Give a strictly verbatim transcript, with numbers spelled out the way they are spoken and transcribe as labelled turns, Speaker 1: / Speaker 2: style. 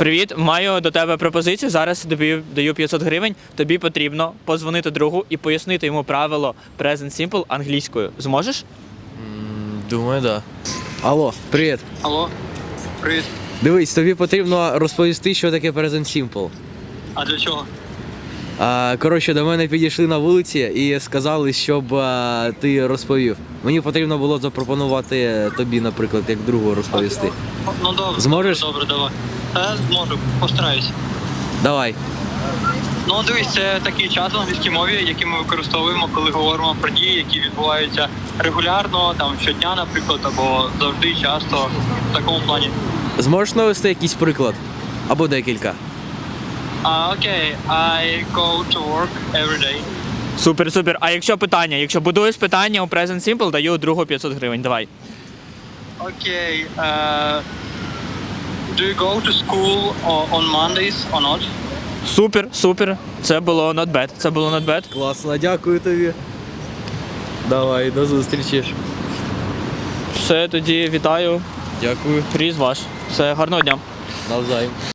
Speaker 1: Привіт, маю до тебе пропозицію. Зараз тобі даю п'ятсот гривень. Тобі потрібно позвонити другу і пояснити йому правило Present Simple англійською. Зможеш?
Speaker 2: Думаю, да. Алло, привіт.
Speaker 3: Алло, привіт.
Speaker 2: Дивись, тобі потрібно розповісти, що таке Present Simple.
Speaker 3: А для чого?
Speaker 2: А, коротше, до мене підійшли на вулиці і сказали, щоб а, ти розповів. Мені потрібно було запропонувати тобі, наприклад, як другу розповісти.
Speaker 3: Ну добре.
Speaker 2: Зможеш?
Speaker 3: Добре, давай. Та зможу, постараюсь.
Speaker 2: Давай.
Speaker 3: Ну дивись, це такий час в англійській мові, який ми використовуємо, коли говоримо про дії, які відбуваються регулярно, там щодня, наприклад, або завжди, часто, в такому плані.
Speaker 2: Зможеш навести якийсь приклад? Або декілька.
Speaker 3: А, окей, I go to work every day.
Speaker 1: Супер, супер. А якщо питання? Якщо будуєш питання у Present Simple, даю другу п'ятсот гривень. Давай.
Speaker 3: Окей, е, do you go to school on Mondays or not?
Speaker 1: Супер, супер. Це було not bad. Це було not bad.
Speaker 2: Класно, дякую тобі. Давай, до зустрічі.
Speaker 1: Все, тоді вітаю.
Speaker 2: Дякую.
Speaker 1: Приз ваш. Все, гарного дня.
Speaker 2: Навзаєм.